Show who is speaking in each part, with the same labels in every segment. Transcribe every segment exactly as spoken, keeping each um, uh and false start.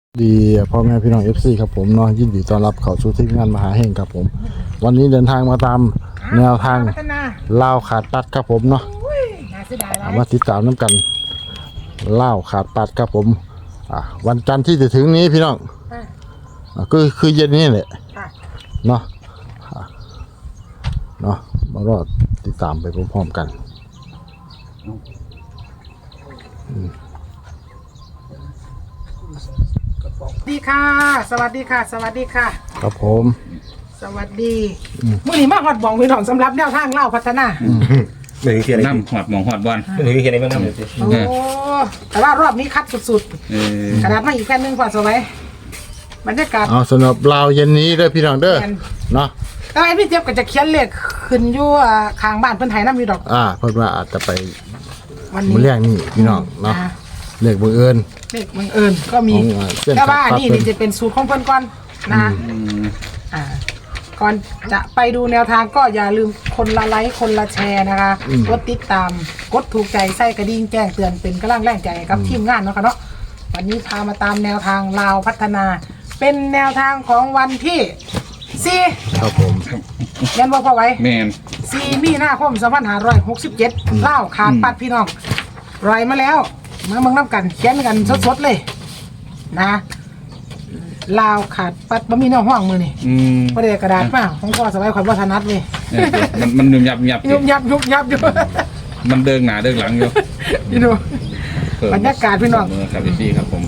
Speaker 1: ดีพ่อแม่พี่น้อง เอฟ ซี ครับผมเนาะยินดีต้อนรับเข้าสู่ทีมงานมหาแห่งครับผมวันนี้เดินทางมาตามแนวทางล่าวขาดปัดครับผมเนาะมาติดตามน้ำกันล่าวขาดปัดครับผมอ่ะวันจันทร์ที่จะถึงนี้พี่น้องอ่ะก็คือเย็นนี้แหละเนาะอ่ะเนาะมารอติดตามไปพร้อมๆกัน
Speaker 2: สวัสดีค่ะ สวัสดีค่ะ สวัสดีค่ะ
Speaker 1: ครับผม
Speaker 2: สวัสดีมื้อนี้มาฮอดบองพี่น้องสำหรับแนวทางเล่าพัฒนา
Speaker 3: หนึ่งเขียนอะไร
Speaker 4: น้ำหอดหมองหอดบอล
Speaker 3: หนึ่งเขียนอะไรบ้างน้ำเดี๋ยวสิ
Speaker 2: โอ้แต่ว่ารอบนี้คัดสุด
Speaker 4: เออ
Speaker 2: ๆกระดาษมาอีกแผ่นหนึงพอสวัยบรรยากาศ
Speaker 1: เอาสำหรับลาวเย็นนี้เด้อพี่น้องเด้อเนาะ
Speaker 2: แล้วไอ้พี่เจี๊ยบก็จะเขียนเลขขึ้นอยู่อ่าข้างบ้านเพิ่นไห้น้ำอยู่ดอก
Speaker 1: อ่าเพิ่นว่าอาจจะไป
Speaker 2: วันนี้
Speaker 1: มื้อแรกนี่พี่น้องเนาะ
Speaker 2: อ่
Speaker 1: เลขบังเอิญ
Speaker 2: เลขบังเอิญก็มี
Speaker 1: ของอ่าเส้น
Speaker 2: แต่ว่า
Speaker 1: ขาดปัด
Speaker 2: นี่
Speaker 1: เพิ่น
Speaker 2: นี่จะเป็นสูตรของเพิ่นก่อนนะ
Speaker 4: อืม
Speaker 2: อ่าก่อนจะไปดูแนวทางก็อย่าลืมคนละไลค์คนละแชร์นะคะกดติดตามกดถูกใจใส่กระดิ่งแจ้งเตือนเป็นกำลังแรงใจให้กับทีมงานเนาะค่ะเนาะวันนี้พามาตามแนวทางลาวพัฒนา เป็นแนวทางของวันที่สี่
Speaker 1: ครับผม
Speaker 2: ยันว่าพอไว้
Speaker 4: แมน
Speaker 2: สี่มีนาคมสองพันห้าร้อยหกสิบเจ็ดเล่าวขาดปัดพี่น้องรอยมาแล้วมาเมืองน้ำกันเขียนกันสดๆเลยนะลาวขาดปัดบ่มีเนื้อห้องมือนี่
Speaker 4: อืม
Speaker 2: ประเดี๋ยวกระดาษมาของพ่อสบายข่อยบ่ถนัดเลย
Speaker 4: เออมันมันยุ่มยับยับ
Speaker 2: ยุบยับยุบยับอยู่
Speaker 4: มันเดินหนาเดินหลังอยู่
Speaker 2: พี่ดู บรรยากาศพี่น้อง
Speaker 4: เครับพี่ครับผม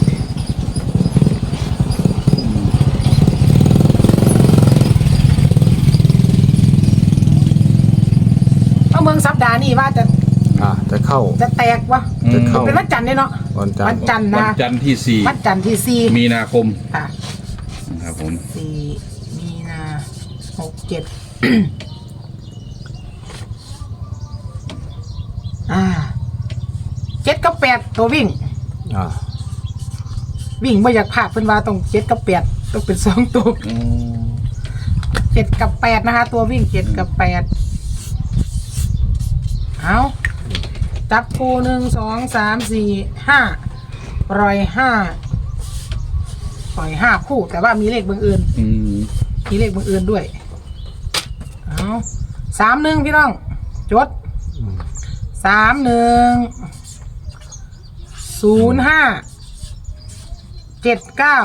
Speaker 2: เอาเมืองสัปดาห์นี้ว่าจะ
Speaker 1: อ่าจะเข้า
Speaker 2: จะแตกวะ
Speaker 1: จะเข้า
Speaker 2: เป็นวันจันทร์เนี่ยเนาะ
Speaker 1: วันจันทร์
Speaker 2: วันจันทร์
Speaker 4: วัน
Speaker 2: นะ
Speaker 4: จันทร์ที่สี่
Speaker 2: วันจันทร์ที่สี่
Speaker 4: มีนาคม
Speaker 2: ค่ะ
Speaker 4: ครับผม
Speaker 2: สี่มีนาหกเจ็ด อ่าเจ็ดกับแปดตัววิ่ง
Speaker 1: อ่า
Speaker 2: วิ่งไม่อยากพลาดเป็นว่าต้องเจ็ดกับแปดต้องเป็นสองตัว
Speaker 4: อืม
Speaker 2: เจ็ดกับแปดนะคะ ตัววิ่งเจ็ดกับแปดเอาจับคู่หนึ่งสองสามสี่ห้าปล่อยห้าปล่อยห้าคู่ แต่ว่ามีเลขบังเอิญ
Speaker 4: อืม
Speaker 2: มีเลขบังเอิญด้วยเอาสามหนึ่งพี่น้อง จดสามหนึ่งศูนย์ห้าเจ็ดเก้า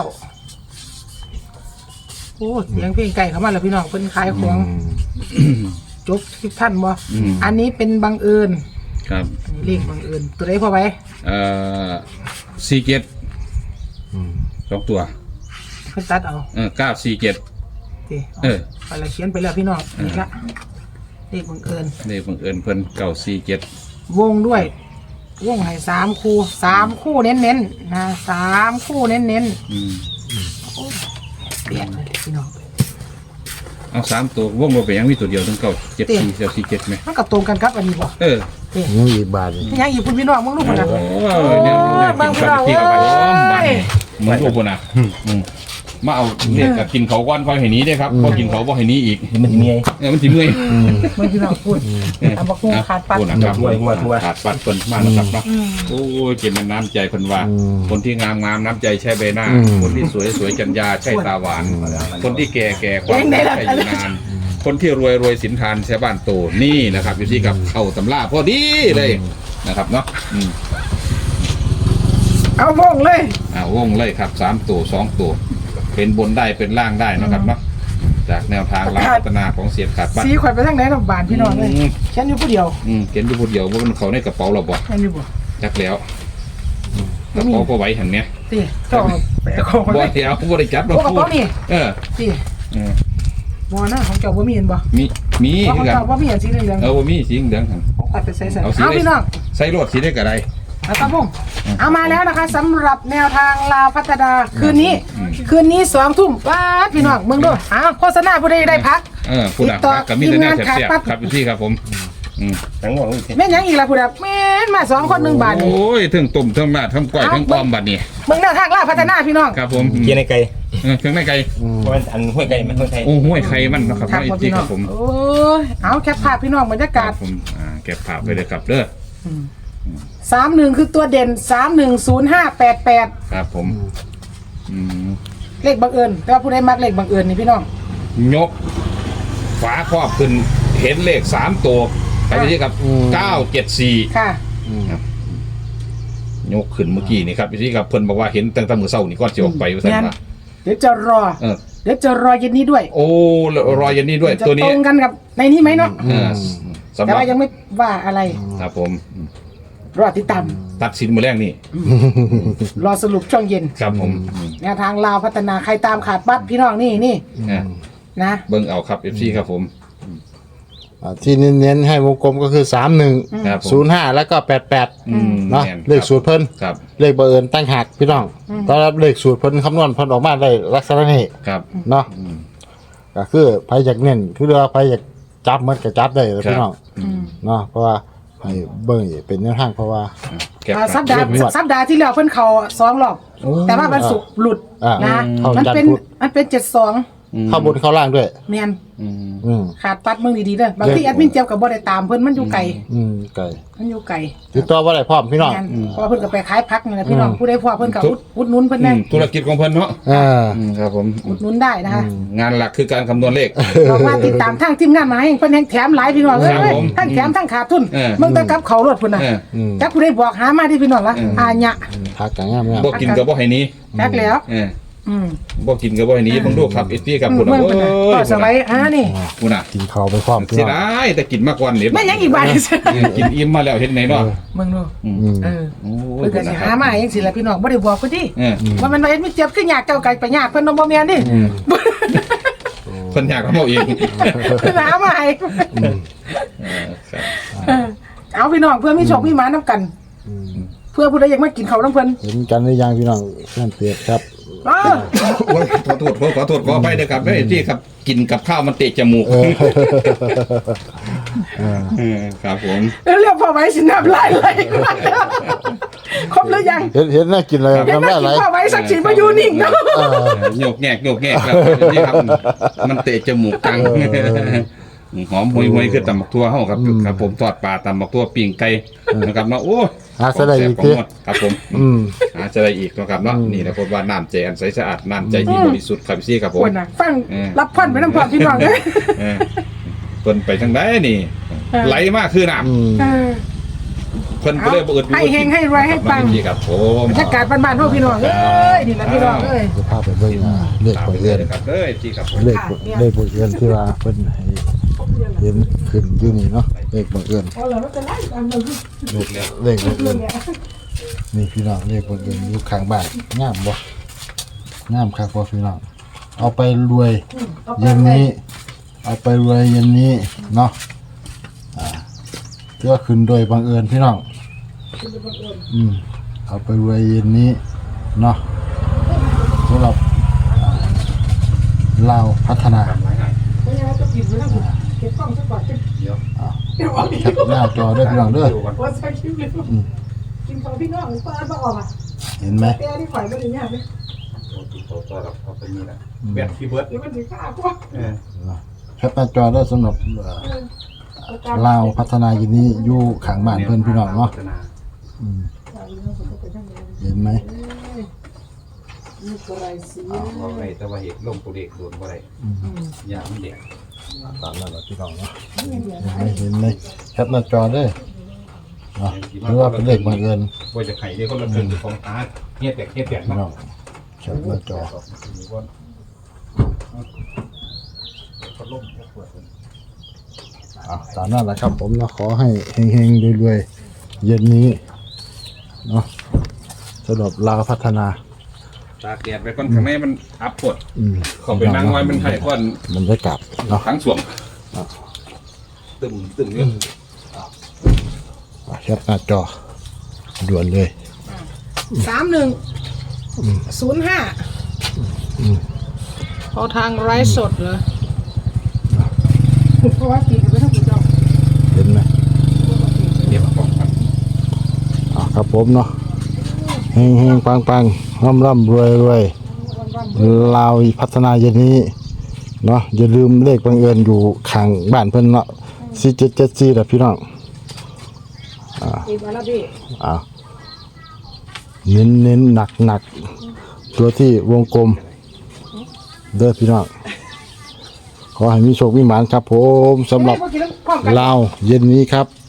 Speaker 2: โอ้เสียงเพลงไก่เข้ามาแล้วพี่น้องเพิ่นขายของ จบทุกท่านบ่
Speaker 4: อืม
Speaker 2: อันนี้เป็นบังเอิญ
Speaker 4: ครับ
Speaker 2: อันนี้เลขบังเอิญตัวไหนพอไว้
Speaker 4: เอ่อสี่เจ็ดสองตัว
Speaker 2: เพิ่นตัดเอา
Speaker 4: เออเก้าสี่เจ็ด
Speaker 2: สิ
Speaker 4: เออ
Speaker 2: ไปละเขียนไปแล้วพี่น้องนี่ละเลขบังเอิญ
Speaker 4: นี่บังเอิญเพิ่นเก้าสี่เจ็ด
Speaker 2: วงด้วย วงให้สามคู่สามคู่เน้นๆนะสามคู่เน้น
Speaker 4: อืม
Speaker 2: ๆเปลี่ยนเลยพี่น้อง
Speaker 4: เอาสามตัววงบ่ไปยังมีตัวเดียวทั้งเก้าเจ็ดสี่เก้าสี่เจ็ดไหม
Speaker 2: มันก็ตรงกันครับอันนี้บ่
Speaker 4: เออ
Speaker 1: ยังอีกบาทหนึ่ง
Speaker 2: ยังอีกคุณพี่น้องมึงรู้ป่ะนะ
Speaker 4: โอ้ยเนี่ยเนี่ยกินข้าวที่เอาไปพร้อมบ้านนี่เหมือนพวกคนน่ะอืมมาเอาเนี่ยกับกินเขาก้อนค่อยให้หนี้ได้ครับพอกินเขาบ่ให้หนี้อีก
Speaker 3: มันจะมีไง
Speaker 4: เออมันสิเมื่อย
Speaker 2: มึงพี่น้องพูดทำบักฮูขาดปัด
Speaker 4: พูดนะครับขาดปัดเพิ่นมานะครับเนาะ
Speaker 2: อืม
Speaker 4: โอ้ยเก็บน้ำใจเพิ่นว่า คนที่งามงามน้ำใจใช่ใบหน้า
Speaker 1: อืม
Speaker 4: คนที่สวยสวยจัญญาใช่ตาหวาน คนที่แก่แก่ความใช่อยู่นาน คนที่รวยรวยสินทานใช้บ้านโตนี่นะครับอยู่ที่กับเข้าตำราพอดีเลยนะครับเนาะอืม
Speaker 2: เอาวงเลย
Speaker 4: อ่าวงเลยครับสามตัวสองตัวเป็นบนได้เป็นล่างได้นะครับเนาะจากแนวทางลาวพัฒนาของเสียบขาดบ้าน
Speaker 2: สีข่อยไปทางไหนลำบานพี่น้องเลย
Speaker 4: อืม
Speaker 2: ฉันอยู่ผู้เดียว
Speaker 4: อืมเขียนอยู่คนเดียวว่ามันเขาในกระเป๋าเราบ่
Speaker 2: ฉันอยู่บ่
Speaker 4: จักแล้วกระเป๋าก็ไว้หันเนี้ย
Speaker 2: สิเจ้าแปะของ
Speaker 4: บ่
Speaker 2: ไว้
Speaker 4: เดียวบ่ได้จับ
Speaker 2: พวกกระเป๋านี่
Speaker 4: เออ
Speaker 2: สิ
Speaker 4: เออ
Speaker 2: บ่นะของเจ้าบ่มีเห็นบ่
Speaker 4: มีมี
Speaker 2: เพราะของ
Speaker 4: คือกัน
Speaker 2: เจ้าบ่มีอันสีเหลือง
Speaker 4: เออบ่มีสีเหลืองหัน
Speaker 2: ๆของข่อยไปใส่ใส่
Speaker 4: เอาสี
Speaker 2: เอา
Speaker 4: ได้
Speaker 2: พี่น้อง
Speaker 4: ใส่รถสีได้ก็ได้
Speaker 2: เอาครับผมเอามาแล้วนะคะสำหรับแนวทางลาวพัฒนาคืนนี้
Speaker 4: อืม
Speaker 2: คืนนี้สองทุ่มป้าดพี่น้องเมืองดูอ้าวโฆษณาผู้ใดได้พัก
Speaker 4: เออผู้ดัก
Speaker 2: ติดต่อ
Speaker 4: กับมีแต่แนว
Speaker 2: ทีมงาน
Speaker 4: แซ่บ
Speaker 2: ขาดปั๊บ
Speaker 4: ๆครับอยู่ที่ครับผมอืม
Speaker 3: ทั้งหมดเลย
Speaker 2: แม่นยังอีกล่ะผู้ใดแม่นมาสองคนหนึ่งบาทนี่
Speaker 4: โอ้ยทั้งต้มทั้งราดทั้งก้อยทั้งอ้อมบัดนี้
Speaker 2: เมืองแนวทางลาวพัฒนาพี่น้อง
Speaker 4: ครับผม
Speaker 3: เขียนในไก่
Speaker 4: เออเครื่องในไก่
Speaker 3: เพราะว่าอันห้วยไก่มันห้วยไก่
Speaker 4: โอ้ห้วยไข่มันเนาะครับ
Speaker 2: ครับ
Speaker 4: อยู่
Speaker 2: ผม
Speaker 4: ที่
Speaker 2: พี่
Speaker 4: ค
Speaker 2: น้อ
Speaker 4: รั
Speaker 2: ง
Speaker 4: บผม
Speaker 2: โอ้ยเอาแคปภาพพี่น้องบรรยา
Speaker 4: ค
Speaker 2: กา
Speaker 4: รั
Speaker 2: ศ
Speaker 4: บผมอ่าเก็บภาพไปเลยครับเด้อ
Speaker 2: สามหนึ่งคือตัวเด่นสามหนึ่งศูนย์ห้าแปดแปด
Speaker 4: ครับผมอืม
Speaker 2: เลขบังเอิญแต่ว่าผู้ใดมักเลขบังเอิญนี่พี่น้อง
Speaker 4: ยกฝาครอบขึ้นเห็นเลขสามตัวไปที่กับเก้าเจ็ดสี่
Speaker 2: ค่ะ
Speaker 4: ยกขึ้นเมื่อกี้นี่ครับที่กับเพิ่นบอกว่าเห็นตั้งแต่มื้อเช้านี่ก่อนจะออกไปว่าซั่นว่า
Speaker 2: เดี๋ยวจะรอ
Speaker 4: เออ
Speaker 2: เดี๋ยวจะรอเย็นนี้ด้วย
Speaker 4: โอ้รอยยันนี่ด้วย
Speaker 2: จะ
Speaker 4: ตัวนี้
Speaker 2: ตรงกันกับในนี้ไหมเนาะ
Speaker 4: เออสำห
Speaker 2: แต่
Speaker 4: รับ
Speaker 2: ว่ายังไม่ว่าอะไร
Speaker 4: ครับผม
Speaker 2: รอติดตาม
Speaker 4: ตัดสินมื้อแรกนี่
Speaker 2: รอสรุปช่วงเย็น
Speaker 4: ครับผม
Speaker 2: แนวทางลาวพัฒนาใครตามขาดบัตรพี่น้องนี่นี่
Speaker 4: เออ
Speaker 2: นะ
Speaker 4: เบิ่งเอาครับ เอฟ ซี ครับผม
Speaker 1: อ่าที่เน้นๆให้วงกลมก็คือสามหนึ่ง
Speaker 4: ครับผม
Speaker 1: ศูนย์ห้าแล้วก็แปดแปด
Speaker 4: อืม
Speaker 1: เนาะ
Speaker 4: แม่น
Speaker 1: เลขสูตรเพิ่น
Speaker 4: ครับ
Speaker 1: เลขบังเอิญตั้งหักพี่น้องตอนรับเลขสูตรเพิ่นคำนวณเพิ่นออกมาได้ลักษณะนี้
Speaker 4: ครับ
Speaker 1: เนาะก็คือไผอยากเน้นคือว่าไผอยากจับมันก็จับได้เลยพี่น้องเนาะเพราะว่าให้เบิ่งเป็นแนวทางเพราะว่า
Speaker 4: แก็บ
Speaker 2: อ่าสัป
Speaker 4: ค
Speaker 2: ดา
Speaker 4: รับ
Speaker 2: ห์สัปดาห์ที่แล้วเพิ่นเขาสองรอบแต่ว่าวันศุกร์หลุด
Speaker 1: อ่า
Speaker 2: นะ
Speaker 1: เข้า
Speaker 2: มัน
Speaker 1: จันทร์
Speaker 2: เป็น
Speaker 1: พุธ
Speaker 2: มันเป็นเจ็ดสอง
Speaker 1: เข้าบนเข้าล่างด้วย
Speaker 2: เมียน
Speaker 4: อืม
Speaker 1: อืม
Speaker 2: ขาดปัดมึงดีๆเด้อบางทีแอดมินเจียวกับบ่ได้ตามเพิ่นมันอยู่ไกล
Speaker 1: อืมไก่
Speaker 2: มันอยู่ไกล
Speaker 1: ติดต่อบ่ได้พร้อมพี่น้อง
Speaker 2: แม่นเพราะว่าเพิ่นก็ไปขายพักนี่แหละพี่น้องผู้ใดพอเพิ่นก็อุดอุดหนุนเพิ่น
Speaker 4: อื
Speaker 2: ได้
Speaker 4: มธุรกิจของเพิ่นเนาะ
Speaker 1: อ่า
Speaker 4: อืมครับผม
Speaker 2: อุดหนุนได้นะคะ
Speaker 4: งานหลักคือการคำนวณเลข
Speaker 2: ลองมาติดตามทางทีมงานมาให้เพิ่นแห่งแถมหลายพี่น้องเอ้
Speaker 4: ครับ
Speaker 2: ย
Speaker 4: ผม
Speaker 2: ทั้งแถมทั้งขาดทุน
Speaker 4: เออ
Speaker 2: มึงต้องกลับเขารถพุ่นน่ะ
Speaker 4: เออ
Speaker 1: อืม
Speaker 2: จักผู้ใดบอกหามาที่พี่น้องละอาญะ
Speaker 1: พักกันงามงาม
Speaker 4: บ่กินก็บ่ให้หนี้
Speaker 2: จักแล้ว
Speaker 4: เออ
Speaker 2: อืม
Speaker 4: บ่กินก็บ่ให้หนี้เบิ่งดูครับ เอฟ ซี ครับ
Speaker 2: มึ
Speaker 4: คุ
Speaker 2: ง
Speaker 4: ณ
Speaker 2: เบิ่งเพิ่นน่ะก็สไลด์อ่านี่
Speaker 4: คุณน่ะ
Speaker 1: กินข้าวไปพร้อมพี่
Speaker 4: เสีย
Speaker 1: น้อง
Speaker 4: ดายแต่กินมาก่อนนี่
Speaker 2: แม่นยังอีกบาท
Speaker 4: เออกินอิ่มมาแล้วเห็นไหนเนาะ
Speaker 2: มึงดู
Speaker 1: อืม
Speaker 2: เออ
Speaker 4: โอ้
Speaker 2: เพิ่นก็สิหามาเองสิล่ะพี่น้องบ่ได้บอกเพิ่นดิ
Speaker 4: เออ
Speaker 2: ว่ามันว่าเอ็ดมิเจ็บคืออยากเจ้าไก่ไปยากเพิ่นบ่แม่นดิ
Speaker 4: เพิ่นอยากเอาเอง
Speaker 2: เพิ่นหามาให้
Speaker 4: เออครับ
Speaker 2: เออเอาพี่น้องเพื่อมีโชคมีหมานํกัน เพื่อผู้ใดอยากมากินข้าวนํเพิ่น
Speaker 1: เห็นกันหรือยังพี่น้องเพื่อนเปียกครับ
Speaker 2: เออ
Speaker 4: โอ้ยขอโทษขอขอโทษขออภัยเด้อครับเด้อที่ครับกินกับข้าวมันเตะจมูก
Speaker 1: เออ เออ
Speaker 4: เออครับผม
Speaker 2: เรียกพอไว้สิน้ำลายไหลก่อนครบหรือยัง
Speaker 1: เห็นเห็นน่ากินเลย
Speaker 2: เดี๋ยว
Speaker 1: น้ำ
Speaker 2: มา
Speaker 1: ได้
Speaker 2: กิ
Speaker 1: ไหล
Speaker 2: นพอไว้สักสิมาอยู่นิ่งเนาะ
Speaker 1: เออ
Speaker 4: โยกแงกโยกแงกครับนี่ครับมันเตะจมูกกังหอมหวยหวยคือตำบักทั่วเฮาครับครับผมทอดปลาตำบักทั่วปิ้งไก่นะครับเนาะโอ้
Speaker 1: หาซะได้อีก
Speaker 4: ของ
Speaker 1: ที
Speaker 4: หมดครับผม
Speaker 1: อืม
Speaker 4: หาจะได้อีกนะครับเนาะนี่นะผมว่าน้ำใจอันใสสะอาดน้ำใจที่บริสุทธิ์ครับพี่ครับผม
Speaker 2: คนน่ะฟัง
Speaker 4: เออ
Speaker 2: รับพรไปน้ำพรพี่น้องเอ้ย
Speaker 4: เออเพิ่นไปทางใดนี่
Speaker 2: เออ
Speaker 4: ไหลมากคือน้
Speaker 1: อืม
Speaker 2: เออ
Speaker 4: ำเพิ่นก็เลยบ่อึด
Speaker 2: ให้เฮงให้รวยให้ปัง
Speaker 4: พี่ครับผม
Speaker 2: บรรยากาศบ้านๆพวกพี่น้องเอ้ยนี่แหละพี่น้องเอ้ย
Speaker 1: จะพาไปเบิ่งอ่าเลข
Speaker 4: ตาม
Speaker 1: บั
Speaker 4: ไป
Speaker 1: ง
Speaker 4: เล
Speaker 1: เอิ
Speaker 4: ย
Speaker 1: ญ
Speaker 4: นะครับเอ้ยพี่ครับผม
Speaker 1: เลขเลขบังเอิญที่ว่าเพิ่นให้เห็นขึ้นอยู่นี่เนาะเลขบังเอิญ
Speaker 2: เอาล่ะมันจะไล่ตามมัน
Speaker 1: เลขเลขบังเอิญนี่พี่น้องเลขบังเอิญอยู่ข้างบ้านงามบ่งามครับบ่พี่น้องเอาไปรวยเย็นนี้ เอาไปรวยเย็นนี้เนาะอ่าเพื่อขึ้นโดยบังเอิญพี่น้องอืมเอาไปรวยเย็นนี้เนาะสำหรับอ่าลาวพัฒนา
Speaker 2: ไม่ใช่ว่าจะกินไว้แล้วเก็บกล้องซะก่อนเดี๋ยวเดี๋ยวเอาอีก
Speaker 1: แคปหน้าจอด้วยพี่น้องเด้อ
Speaker 2: ว่าใส่คลิปเลยกินของพี่น้องเปิดมาออกอ่ะ
Speaker 1: เห็นไหม
Speaker 2: แต่นี่ข่อยไม่ได้ยากเลย
Speaker 4: เอาไปนี่นะแบตพี่เบิร์ด
Speaker 2: เดี๋ยวมันถึงข้าวกว่า
Speaker 4: เออ
Speaker 1: แคปหน้าจอได้สำหรับเอ่อลาวพัฒนายินนี้อยู่ข้างบ้านเพื่อนพี่น้องเนาะอืมเห็นไหม
Speaker 2: นี่ก็ไรสิ
Speaker 4: เอาไว้แต่ว่าเหตุลงตัวเลขโดนบ่ได้ยามันแดง
Speaker 1: ตามนั้นแหละพี่น้องเนาะเห็นไหมเห็นไหมแคปหน้าจอได้เนาะหรือว่าเป็นเลขบังเอิญ
Speaker 4: ว่าจะไข่ได้คนละครึ่งของตาเฮ็ดแตกเฮ็ดแตก
Speaker 1: พี่
Speaker 4: เนาะ
Speaker 1: น้องแคปหน้าจออ่ะตามนั้นแหละครับผมเนาะขอให้เฮงๆรวยๆเย็นนี้เนาะสำหรับลาวพัฒนา
Speaker 4: ตากแดดไปก่อนข้างในมันอับปวด
Speaker 1: อืม
Speaker 4: เข้าไปนั่งไว้มันให้ก่อน
Speaker 1: บรรยากาศเนาะ
Speaker 4: ทั้งสวงตึมตึมเนี่ย
Speaker 1: แคปหน้าจอด่วนเลย
Speaker 2: สามหนึ่งศูนย์ห้าเอาทางไร้สดเหรอเพราะว่ากินไปทั้งหมดเนาะ
Speaker 1: เห็นไหม
Speaker 4: เก็บของครับ
Speaker 1: อ่ะครับผมเนาะเฮงเฮงปังปังร่ำร่ำรวยรวยลาวพัฒนาเย็นนี้เนาะอย่าลืมเลขบังเอิญอยู่ข้างบ้านเพิ่นเนาะสี่เจ็ดเจ็ดสี่แหละพี่น้อง
Speaker 2: อีกวันละพี่
Speaker 1: อ่ะเน้นเน้นหนักหนักตัวที่วงกลมเด้อพี่น้องขอให้มีโชคมีหมานครับผมสำหรับ
Speaker 2: เฮ้ยเมื่อกี้ต้องพร้อมกัน
Speaker 1: ลาวเย็นนี้ครับ